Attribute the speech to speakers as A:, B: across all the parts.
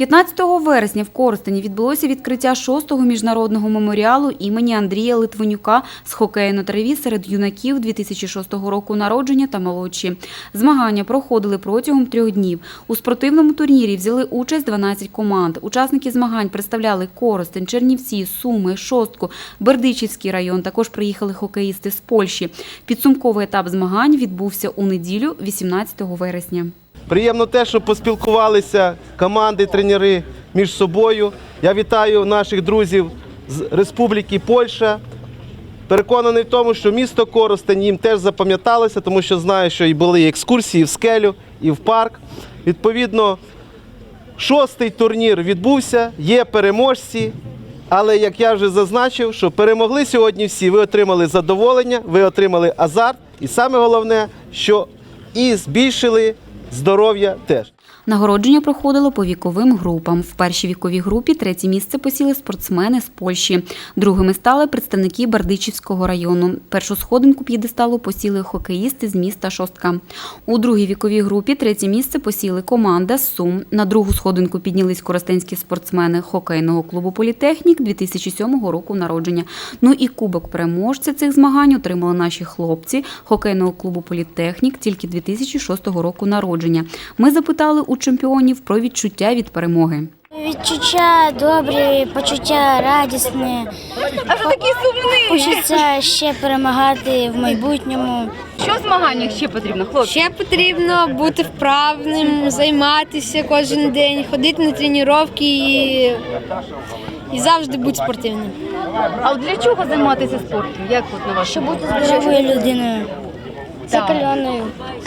A: 15 вересня в Коростені відбулося відкриття 6-го міжнародного меморіалу імені Андрія Литвинюка з хокею на траві серед юнаків 2006 року народження та молодші. Змагання проходили протягом 3 днів. У спортивному турнірі взяли участь 12 команд. Учасники змагань представляли Коростень, Чернівці, Суми, Шостку, Бердичівський район. Також приїхали хокеїсти з Польщі. Підсумковий етап змагань відбувся у неділю, 18 вересня.
B: Приємно те, що поспілкувалися команди, тренери між собою. Я вітаю наших друзів з Республіки Польща. Переконаний в тому, що місто Коростень їм теж запам'яталося, тому що знаю, що і були екскурсії в скелю, і в парк. Відповідно, 6-й турнір відбувся, є переможці. Але, як я вже зазначив, що перемогли сьогодні всі, ви отримали задоволення, ви отримали азарт. І саме головне, що і збільшили здоров'я теж.
A: Нагородження проходило по віковим групам. В першій віковій групі 3-є місце посіли спортсмени з Польщі. Другими стали представники Бердичівського району. Першу сходинку п'єдесталу посіли хокеїсти з міста Шостка. У другій віковій групі 3-є місце посіли команда з Сум. На другу сходинку піднялись коростенські спортсмени хокейного клубу «Політехнік» 2007 року народження. Ну і кубок переможця цих змагань отримали наші хлопці хокейного клубу «Політехнік» тільки 2006 року народження. Ми запитали у чемпіонів про відчуття від перемоги.
C: Відчуття добрі, почуття радісне.
D: А що такий сумний?
C: Хочеться ще перемагати в майбутньому.
D: Що в змаганнях ще потрібно, хлопці?
E: Ще потрібно бути вправним, займатися кожен день, ходити на тренування і завжди бути спортивним.
D: А от для чого займатися спортом? Як от на вашу думку?
C: Здоровою людиною, закаленою.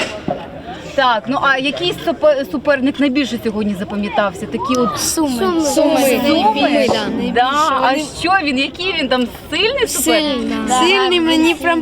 D: Так, ну а який суперник найбільше сьогодні запам'ятався? Такі от
C: Суми.
D: Суми?
E: Да.
D: Да. А що він? Який він там сильний суперник?
E: Сильний, мені прям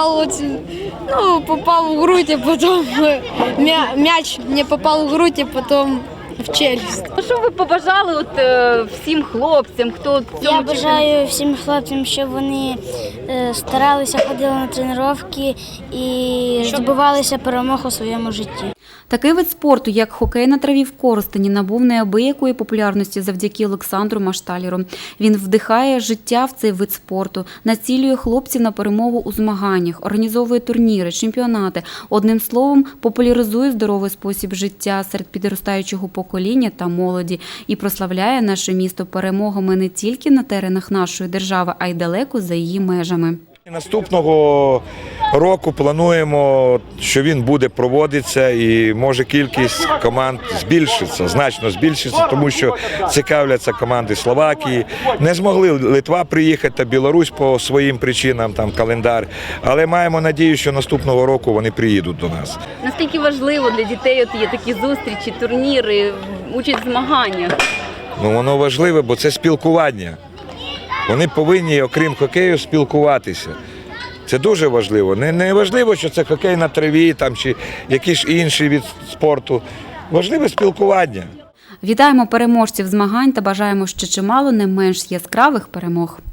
E: попав у грудь, а потім м'яч мені попав у грудь, а потім в челюсть.
D: Ну, що ви побажали от всім хлопцям, хто в цьому
C: Я бажаю всім хлопцям, щоб вони старалися, ходили на тренування і здобувалися перемог у своєму житті.
A: Такий вид спорту, як хокей на траві в Коростені, набув неабиякої популярності завдяки Олександру Машталєру. Він вдихає життя в цей вид спорту, націлює хлопців на перемогу у змаганнях, організовує турніри, чемпіонати. Одним словом, популяризує здоровий спосіб життя серед підростаючого покоління та молоді і прославляє наше місто перемогами не тільки на теренах нашої держави, а й далеко за її межами.
F: Наступного року плануємо, що він буде проводитися і може кількість команд збільшиться, значно збільшиться, тому що цікавляться команди Словакії. Не змогли Литва приїхати та Білорусь по своїм причинам, там календар, але маємо надію, що наступного року вони приїдуть до нас.
D: Наскільки важливо для дітей от є такі зустрічі, турніри, участь в змаганнях?
F: Ну, воно важливе, бо це спілкування. Вони повинні, окрім хокею, спілкуватися. Це дуже важливо. Не важливо, що це хокей на траві там, чи якийсь інший від спорту. Важливе спілкування.
A: Вітаємо переможців змагань та бажаємо ще чимало не менш яскравих перемог.